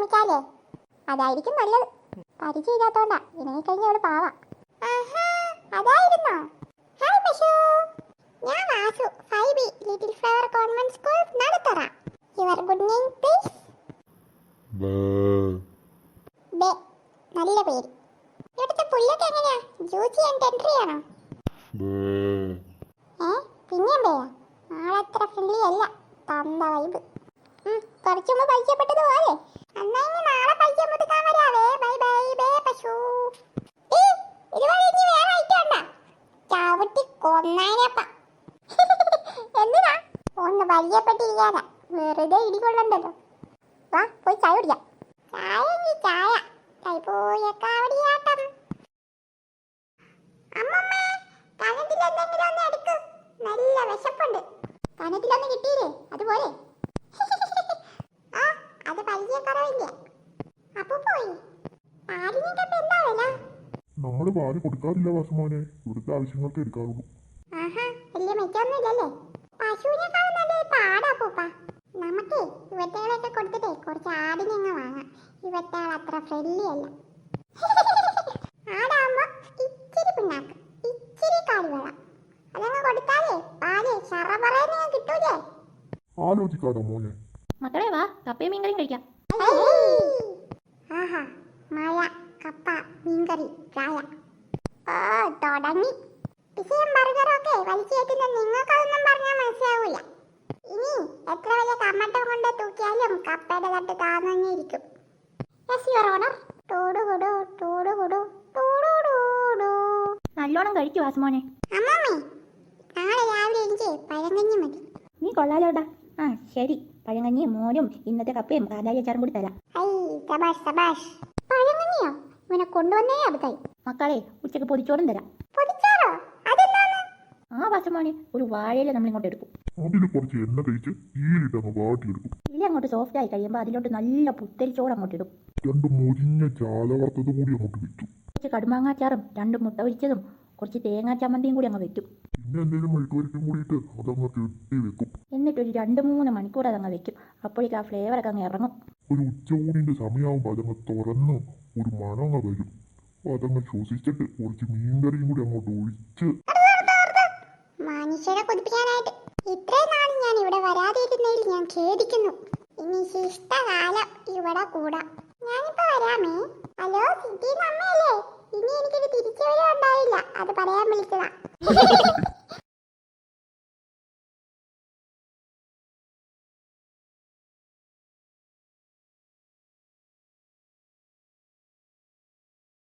ശ്രമിക്കാല്ലേ? അതായിരിക്കും നല്ലത്. പരിചയമില്ലാത്തോണ്ടാ, ഇണങ്ങി കഴിഞ്ഞ അവള് പാവാ. അതായിരുന്നോ? ഹായ് പശു, ഞാൻ Vasu, 5B little flower convent school നടത്തറ. Your good name please? ബേ. നല്ല പേര്. ഇവിടുത്തെ പുല്ലൊക്കെ എങ്ങനെയാ? ജ്യൂസി ആൻഡ് ടെൻഡറി ആണോ? പിന്നെയും ബേയാ? ആളത്ര ഫ്രണ്ട്ലി അല്ല. തന്ന വൈബ്. കുറച്ചു മുമ്പ് പരിചയപ്പെട്ടത് പോലെ. എന്നാ ഇനി നാളെ പരിചയം പുതുക്കാൻ വരാവേ. ബൈ ബൈ ബേ പശു. ഇതുവരെ ഇനി വേറെ ഐറ്റം ചവിട്ടി കൊന്നേനപ്പ. എന്തിനാ? ഒന്ന് പരിചയപ്പെട്ടിരിക്കാനാ. വെറുതെ ഇടികൊള്ളണ്ടല്ലോ. വാ പോയി ചായ കുടിക്കാം. ചായ കൈപോയ കാവടിയാട്ടം. അമ്മമ്മേ, കനത്തിലെന്തെങ്കിലും ഒന്ന് എടുക്ക്. നല്ല വിശപ്പുണ്ട്. കനത്തിലൊന്ന് കിട്ടിയില്ലേ? അതുപോലെ. അത് പരിചയക്കുറവില്ല. അപ്പു പോയി. പാലിനൊക്കെ ഇപ്പൊ എന്താ വില? നമ്മള് പാല് കൊടുക്കാറില്ല വാസുമോനെ, ഇവിടുത്തെ ആവശ്യങ്ങൾക്ക് എടുക്കാറുള്ളൂ. വലിയ മെച്ചൊന്നുമില്ലല്ലേ? പശുവിനെക്കാളും നല്ലൊരു പാടാ പൂപ്പ. നമുക്ക് ഇവറ്റകളൊക്കെ കൊടുത്തിട്ടേ കുറച്ച് ആടിനെ വാങ്ങാം. ഇവറ്റകൾ അത്ര ഫ്രണ്ട്ലി അല്ല. ആടാകുമ്പോ ഇച്ചിരി പിണ്ണാക്ക്, ഇച്ചിരി കാലിവെള്ളം, അതങ്ങ് കൊടുത്താലേ പാല് ശറപറേന്ന് കിട്ടൂലേ? ആലോചിക്കാതോ മോനെ. മക്കളെ വാ, കപ്പയും മീൻകറിയും കഴിക്കാം. മഴ, കപ്പ, മീൻകറി, ചായ. തുടങ്ങി. പിസയും ബർഗറും ഒക്കെ വലിച്ചു കയറ്റുന്ന നിങ്ങൾക്കതൊന്നും പറഞ്ഞാൽ മനസ്സിലാവൂല. ഇനി എത്ര വലിയ കമ്മട്ടം കൊണ്ട് തൂക്കിയാലും കപ്പയുടെ തട്ട് താന്നിരിക്കും. നല്ലോണം കഴിക്കൂ വാസുമോനെ. അമ്മമ്മേ, നാളെ രാവിലെ എനിക്ക് പഴങ്കഞ്ഞി മതി. നീ കൊള്ളാലോട്ടാ. ശരി, പഴങ്കഞ്ഞിയും മോരും ഇന്നത്തെ കപ്പയും കാലായി അച്ചാറും കൂടി തരാം. പഴങ്കഞ്ഞിയോ? ഇവനെ കൊണ്ടുവന്നേ അടുത്തായി. മക്കളെ, ഉച്ചക്ക് പൊതിച്ചോറും തരാം. പൊതിച്ചോറോ? അതെന്താണ്? വാസുമോനെ, ഒരു വാഴയില നമ്മൾ ഇങ്ങോട്ട് എടുക്കും. അതിൽ കുറച്ച് എണ്ണ തേച്ച് ഈലിട്ടങ്ങ് വാട്ടിയെടുക്കും. ഇല അങ്ങോട്ട് സോഫ്റ്റ് ആയി കഴിയുമ്പോൾ അതിലോട്ട് നല്ല പുത്തരിച്ചോറ് അങ്ങോട്ട് ഇടും. 2 മുരിഞ്ഞ ചാല വറുത്തത് കൂടി അങ്ങോട്ട് വെക്കും. കുറച്ച് കടുമാങ്ങാച്ചാറും 2 മുട്ട പൊരിച്ചതും കുറച്ച് തേങ്ങാ ചമ്മന്തിയും കൂടി അങ്ങ് വെക്കും. പിന്നെ എന്തെങ്കിലും മെഴുക്കുവരട്ടിയും കൂടിയിട്ട് അതങ്ങ് കെട്ടി വെക്കും. എന്നിട്ടൊരു 2-3 മണിക്കൂർ അതങ്ങ് വെക്കും. അപ്പോഴേക്കും ആ ഫ്ലേവറൊക്കെ അങ്ങ് ഇറങ്ങും. ഒരു ഉച്ചയൂണിന്റെ സമയമാകുമ്പോൾ അതങ്ങ് തുറന്ന് ഒരു മണം അങ്ങ് വരും. അതങ്ങ് ശ്വസിച്ചിട്ട് കുറച്ച് മീൻകറിയും കൂടി അങ്ങോട്ട് ഒഴിച്ച്. മനുഷ്യരെ കൊതിപ്പിക്കാനായിട്ട് ഇത്രയും നാളും ഞാൻ ഇവിടെ വരാതിരുന്നതിൽ ഞാൻ ഖേദിക്കുന്നു. ഇനി ശിഷ്ടകാലം ഇവിടെ കൂടാം. ഞാനിപ്പോ വരാമേ. ഹലോ, സിറ്റി അമ്മയല്ലേ? ഇനി എനിക്കൊരു തിരിച്ചുവരവ് ഉണ്ടായില്ല, അത് പറയാൻ വിളിച്ചതാ.